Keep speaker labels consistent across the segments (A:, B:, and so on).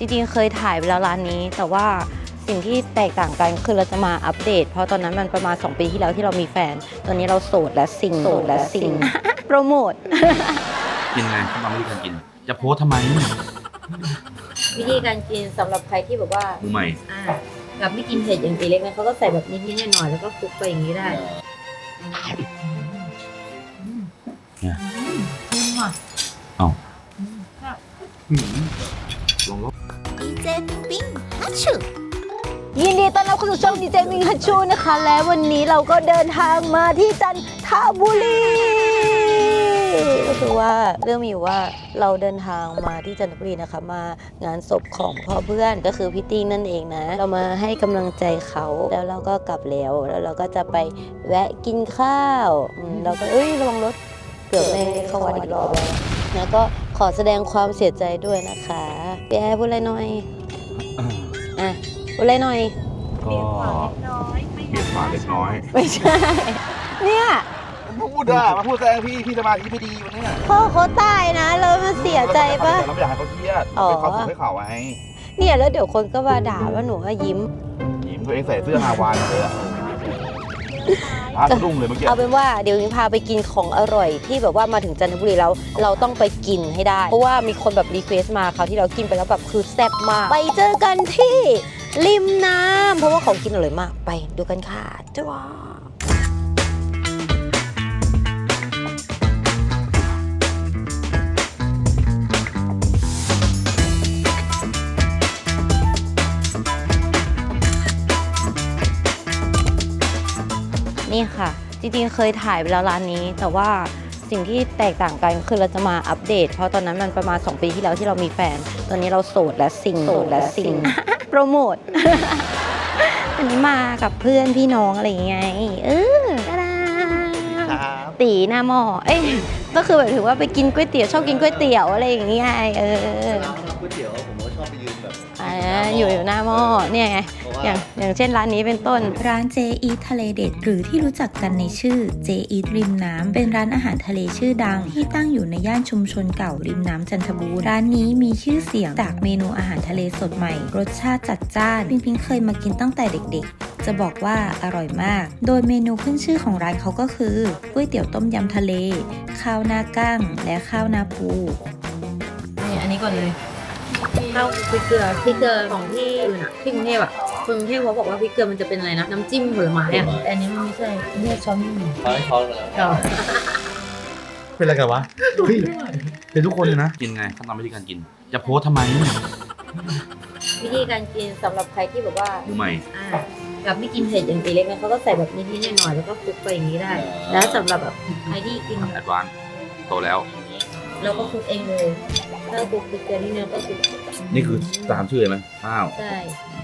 A: ริงๆเคยถ่ายไปแล้วร้านนี้แต่ว่าสิ่งที่แตกต่างกันคือเราจะมาอัปเดตเพราะตอนนั้นมันประมาณ2 ปีที่แล้วที่เรามีแฟนตอนนี้เราโสดและซิง โปรโมท
B: กินไงทำวิธีการกินจะโพสทำไม
A: วิธีการกินสำหรับใครที่แบบว่า
B: มือใหม่
A: กับไม่กินเผ็ดอย่างตีเล็กนะเขาก็ใส่แบบนิดๆหน่อยๆแล้วก็คลุกไปอย่างนี้ได้
B: เนี่ย
A: ว่ะ
B: เอ้า
C: ดีเจปิ้งฮัชชู
A: ยินดีต้อนรับเข้าสู่ช่องดีเจมิงฮัชชูนะคะ และวันนี้เราก็เดินทางมาที่จันทบุรีก็คือว่าเรื่องมีอยู่ว่าเราเดินทางมาที่จันทบุรีนะคะมางานศพของพ่อเพื่อนก็คือพี่ติ้งนั่นเองนะเรามาให้กำลังใจเขาแล้วเราก็กลับแล้วเราก็จะไปแวะกินข้าวเราก็ระวังรถเกือบไม่เข้าวัดอีกรอบแล้วก็ขอแสดงความเสียใจด้วยนะคะพี่แอร์พูดอะไรหน่อยอ่ะพูดอะไรหน่อย
B: ก็เปลี่ยนฝาเล็กน้อย
A: ไม่ใช่ เนี่ย
D: พูดมาพูดแซงพี่สมาธิไม่ดีวันนี้
A: พ่อเขาตายนะเรามันเสียใจปะ
D: เราไม่อยากให้เขาเครียดเป็นความสุขให้เขาไง
A: เนี่ยแล้วเดี๋ยวคนก็มาด่าว่าหนูว่ายิ้ม
D: ยิ้มตัวเองใส่เสื้อฮาวายเลยอะพาสะดุ้งเลยเมื่อกี้
A: เอาเป็นว่าเดี๋ยวนี้พาไปกินของอร่อยที่แบบว่ามาถึงจันทบุรีแล้วเราต้องไปกินให้ได้ เพราะว่ามีคนแบบรีเควสมาคราวที่เรากินไปแล้วแบบคือแซ่บมากไปเจอกันที่ริมน้ำเพราะว่าของกินอร่อยมากไปดูกันค่ะจ้านี่ค่ะจริงๆเคยถ่ายไปแล้วร้านนี้แต่ว่าสิ่งที่แตกต่างกันคือเราจะมาอัปเดตเพราะตอนนั้นมันประมาณ2 ปีที่แล้วที่เรามีแฟนตอนนี้เราโสดและซิง โปรโมท อันนี้มากับเพื่อนพี่น้องอะไรอย่างเงี้ยตาดาตีหน้าหม้อก็คือแบบถือว่าไปกินก๋วยเตี๋ยวชอบกินก๋วยเตี๋ยวอะไรอย่างเงี้ย
E: ก๋วยเตี๋ยวผมก็ชอบไปยืนแบบ
A: อยู่หน้าหม้อเนี่ยไงอย่างเช่นร้านนี้เป็นต้น
C: ร้านเจอีททะเลเด็ดหรือที่รู้จักกันในชื่อเจอีทริมน้ำเป็นร้านอาหารทะเลชื่อดังที่ตั้งอยู่ในย่านชุมชนเก่าริมน้ำจันทบูรณ์ร้านนี้มีชื่อเสียงจากเมนูอาหารทะเลสดใหม่รสชาติจัดจ้านพิงเคยมากินตั้งแต่เด็กๆจะบอกว่าอร่อยมากโดยเมนูขึ้นชื่อของร้านเขาก็คือก๋วยเตี๋ยวต้มยำทะเลข้าวหน้ากั้งและข้าวหน้าปู
A: นี่อันนี้ก่อนเลยข้าวพริกเกลือของที่อื่นอะที่กรุงเทพอะกรุงเทพเขาบอกว่าพริกเกลือมันจะเป็นอะไรนะน้ำจิ้มผลไม้อะแต่อันนี้มันไม่ใช่เนี่ยช้อนไม่มี
E: เขาให้ช้อนมาแล้ว
D: เป็นอะไรกันวะเฮ้ยเป็นทุกคนเลยนะ
B: กินไงทำวิธีการกินจะโพสทำไม
A: วิธีการกินสำหรับใครที่แบบว่า
B: มือใหม่
A: กับไม่กินเผ็ดอย่างตีเล็กนะเขาก็ใส่แบบนิดๆหน่อยๆแล้วก็คลุกไปอย่างนี้ได้ แล้วสำหรับแบบใครที่กิน
B: แอดวานซ์โตแล้ว
A: เราก็คลุกเองเลยถ้าคลุกพริกเกลือที่เนื้อก็คลุก
B: นี่คือตามชื่อเลยไหมข้าว
A: ใช่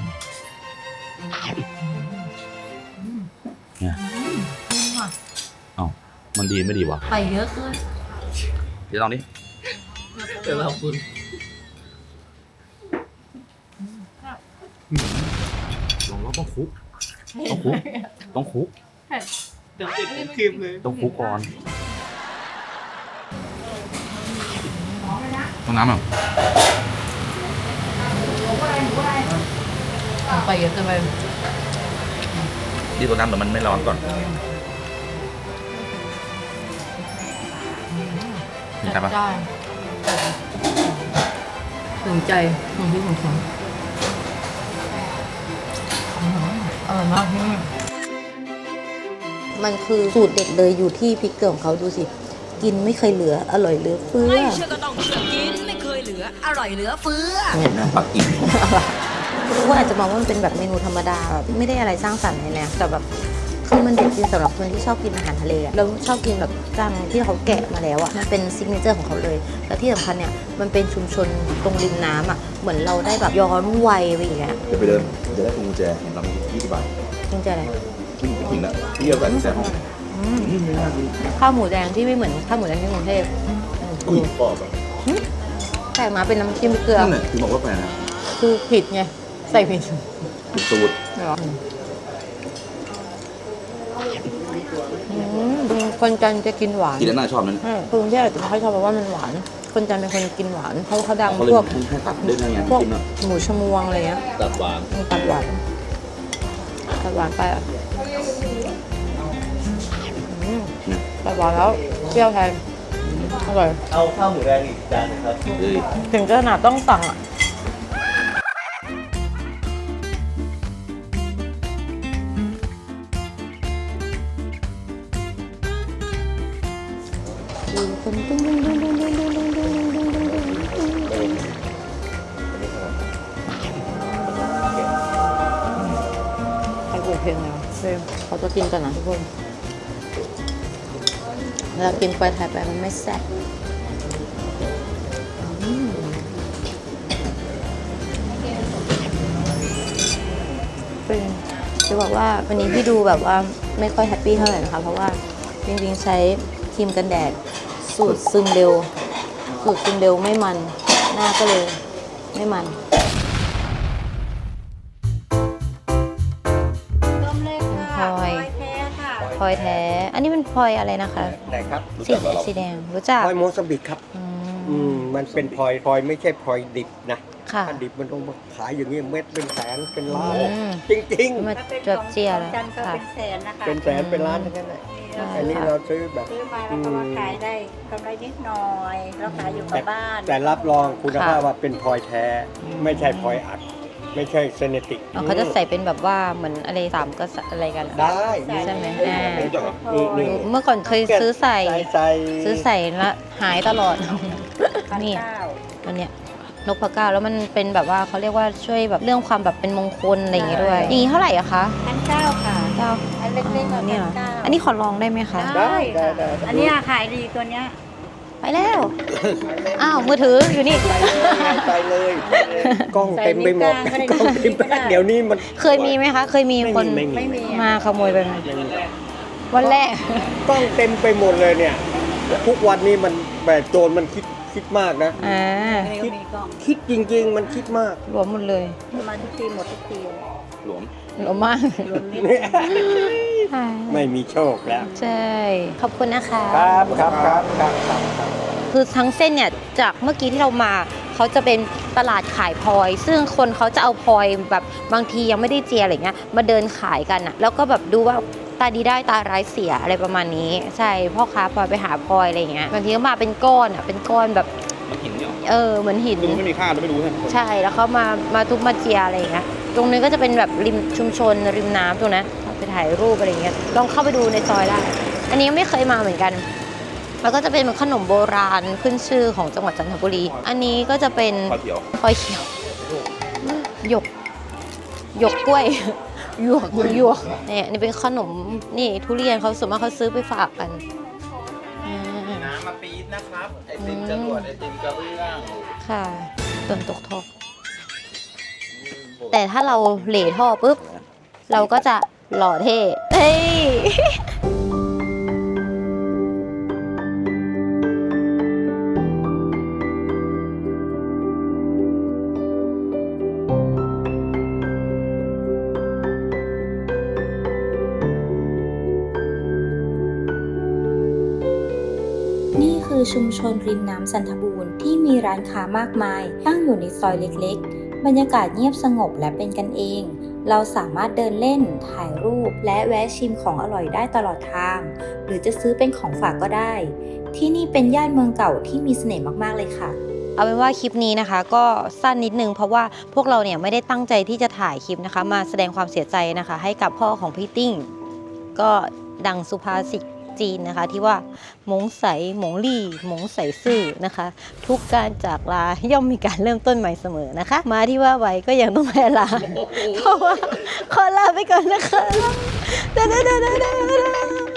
B: เนี่ยเอ้ามันดีไม่ดีวะ
A: ไปเยอะเกิน
B: เดี๋ยวลองดิ
E: เดี๋ยวเราคุณ
B: ลองแล้วต้องคุกต้องคุก
E: เดี๋ยวติดครีมเลย
B: ต้องคุกก่อนต้องน้ำอ่ะ
A: ไปเยอะเกินไป
B: ที่ตัวน้ำเดี๋ยวมันไม่ร้อนก่อนมีใช่ปะ
A: ถึงใจของพี่ของฉันอร่อยมากที่มันคือสูตรเด็ดเลยอยู่ที่พริกเกลือของเขาดูสิกินไม่เคยเหลืออร่อยเหลือเฟือ
F: ไม่เชื่อก็ต้องเชื่อกินไม่เคยเหลือ อร่อยเหลือเฟือ
B: น้ำปักกิ่ง
A: ทุกคนอาจจะมองว่ามันเป็นแบบเมนูธรรมดาแบบไม่ได้อะไรสร้างสรรค์เลยนะแต่แบบคือมันเด็ดจริงสำหรับคนที่ชอบกินอาหารทะเลอะเราชอบกินแบบจังที่เขาแกะมาแล้วอะมันเป็นซิกเนเจอร์ของเขาเลยแล้วที่สำคัญเนี่ยมันเป็นชุมชนตรงริมน้ำอะเหมือนเราได้แบบย้อนวัยไปอย่างเงี้ย
D: เดี๋ยวไปเดินจะได้พวงกุญแจเห็นเรา20 บาท
A: จริงใจอะไร
D: กินแล้วพี่เอาใส่กุญแจห้องไม่น่ากิน
A: ข้าวหมูแดงที่ไม่เหมือนข้าวหมูแดงที่กรุงเทพ
D: อุ้ยปอบอ่ะ
A: แต่มาเป็นน้ำจิ้มเกลือ
D: นั่นแหละถึงบอกว่าแปลกนะ
A: คือผิดไงใส่ผิด
D: ผิดสูตร
A: คนจันทร์จะกินหวาน
D: กินแล้วน่าชอบนั้น
A: กรุงเทพอาจจะไม่ค่อยชอบเพราะว่ามันหวานคนจันทร์เป็นคนกินหวานเพราะเขาดัง
D: เขาเลย
A: พวก
D: แค่ตัดได้ไง
A: พวก
D: กินอ่ะ
A: หมูชมวงอะไรเงี้ย
D: ตัดหวาน
A: ตัดหวานไปอ่ะตัดหวานแล้วเปรี้ยวแทนอร่อย
E: เอาข้าวหมูแดงอีกจานหนึงครับ
D: เอ้ย
A: ถึงขนาดต้องสั่งอ่ะใครเปิดเพลงแล้วเขาจะกินกันนะทุกคนเวลากินไปถ่ายไปมันไม่แซ่บเป็นจะบอกว่าวันนี้พี่ดูแบบว่าไม่ค่อยแฮปปี้เท่าไหร่นะคะเพราะว่าจริงๆใช้ครีมกันแดดสูตรซึมเร็วไม่มันหน้าก็เลยไม่มัน
G: ต้มเล็กค่ะ
A: พลอย
G: แท้ค่ะ
A: พลอยแท้ อันนี้เป็นพลอยอะไรนะคะ
H: ไหนครับ
A: สีแดงรู้จัก
H: พลอยโมซัมบิกครับ มันเป็นพลอยไม่ใช่พลอยดิบนะ
A: ค่ะ
H: ถ้าดิบมันต้องมาขายอย่างนี้เม็ดเป็นแสนเป็นล้าน
A: อืม
H: จริง
A: มา
G: ถ้าเป็น
A: จวบเจีย
G: ข
A: แล้
G: อง
A: ว
G: จันทร์ก็
A: ค่ะ
G: เป็นแสนนะคะ
H: ๆ เป็นแสนเป็นล้านทั้งนั้นแหละ
A: ใช่
H: อันนี้
A: ค่ะ
H: เราซื้อแบบ
G: ซื้อมาแล้วก็มาขายได้กำไรนิดหน่อยแล้วขายอยู่กับบ้าน
H: แต่รับรองคุณภาพว่าเป็นพลอยแท้ ไม่ใช่พลอยอัด ไม่ใช่เซเนติก
A: อ๋อเขาจะใส่เป็นแบบว่าเหมือนอะไรสามก็อะไรกันเหรอ
H: ได้
A: ใช่ไหม
H: นี่
A: เมื่อก่อนเคยซื้อใส่
H: ใส่
A: ซื้อใส่แล้วหายตลอด
G: พัน
A: นี่
G: เก้า
A: อันเนี้ยนกพะเก้าแล้วมันเป็นแบบว่าเขาเรียกว่าช่วยแบบเรื่องความแบบเป็นมงคลอะไรอย่างงี้ด้วย อย่างนี้เท่าไหร่อะคะ
G: 1,900ค่ะ
A: เก้า
G: อันเล็กๆ
A: เนี่ยเหรอ
G: 1,900
A: อันนี้ขอลองได้ไหมคะ
H: ได้ได้
G: อันเนี้ยขายดีตัวเนี้ย
A: ไปแล้ว อ้าว มือถืออยู่นี่
H: ไปเลยกล้องเต็มไปหมด
G: ใส่นิ้ว
H: กล้อง
G: กลางก็ได้
H: เต็มไปเดี๋ยวนี้มัน
A: เคยมีไหมคะ เคยมีคน
H: ไม่มี
A: มาขโมยไปไหมวันแรก
H: กล้องเต็มไปหมดเลยเนี่ย ทุกวันนี้มันแบบโจรมันคิดมากนะ
A: อ่า
G: นิ้วมีกล้อง
H: คิดจริง ๆ มันคิดมาก
A: รวมหมดเลย
G: มาทุกทีหมดทุกที
D: หลวม
A: รวมมาก
G: รวมนิด
H: ไม่มีโชคแล้ว
A: ใช่ ขอบคุณนะคะ
H: ครับครับครับครับ
A: คือทั้งเส้นเนี่ยจากเมื่อกี้ที่เรามาเขาจะเป็นตลาดขายพลอย ซึ่งคนเขาจะเอาพลอยแบบบางทียังไม่ได้เจียอะไรเงี้ยมาเดินขายกันอะแล้วก็แบบดูว่าตาดีได้ตาร้ายเสียอะไรประมาณนี้ใช่พ่อค้าพลอยไปหาพลอยอะไรเงี้ยบางทีก็มาเป็นก้อนอะเป็นก้อนแบบ
D: มันหินเนี่ย
A: เหมือนหิน
D: ดูไม่มีค่าเราไม่รู้ใช่ไหม
A: ใช่แล้วเขามาทุบมาเจียอะไรอย่างเงี้ยตรงนี้ก็จะเป็นแบบริมชุมชนริมน้ำตรงนั้นไปถ่ายรูปอะไรเงี้ยลองเข้าไปดูในซอยได้อันนี้ยังไม่เคยมาเหมือนกันแล้วก็จะเป็นขนมโบราณขึ้นชื่อของจังหวัดจันทบุรีอันนี้ก็จะเป็น
D: พอเขียว
A: พลอยเขียวหยกกล้วยหยวกเนี่ยนี่เป็นขนมนี่ทุเรียนเขาส่วนมากเขาซื้อไปฝากกัน
E: น้ำมาปี๊ดนะครับ ไอติมจรวดไอติมกระเบื้อง
A: ค่ะต้นตกทอกแต่ถ้าเราเหล่ท่อปุ๊บ เราก็จะหล่อเท่เฮ้ย
C: นี่คือชุมชนริมน้ำจันทบูรณ์ที่มีร้านค้ามากมายตั้งอยู่ในซอยเล็กๆ บรรยากาศเงียบสงบและเป็นกันเอง เราสามารถเดินเล่น ถ่ายรูป และแวะชิมของอร่อยได้ตลอดทาง หรือจะซื้อเป็นของฝากก็ได้ ที่นี่เป็นย่านเมืองเก่าที่มีเสน่ห์มากๆเลยค่ะ
A: เอาเป็นว่าคลิปนี้นะคะ ก็สั้นนิดนึงเพราะว่าพวกเราเนี่ยไม่ได้ตั้งใจที่จะถ่ายคลิปนะคะ มาแสดงความเสียใจนะคะ ให้กับพ่อของพี่ติ้ง ก็ดังสุภาษิตจีนนะคะที่ว่าหมงใสหมงลี่หมงใสซื่อนะคะ ทุกการจากลาย่อมมีการเริ่มต้นใหม่เสมอนะคะ มาที่ว่าไว้ก็ยังต้องแพ้ลาเพราะว่าขอลาไปก่อนนะคะ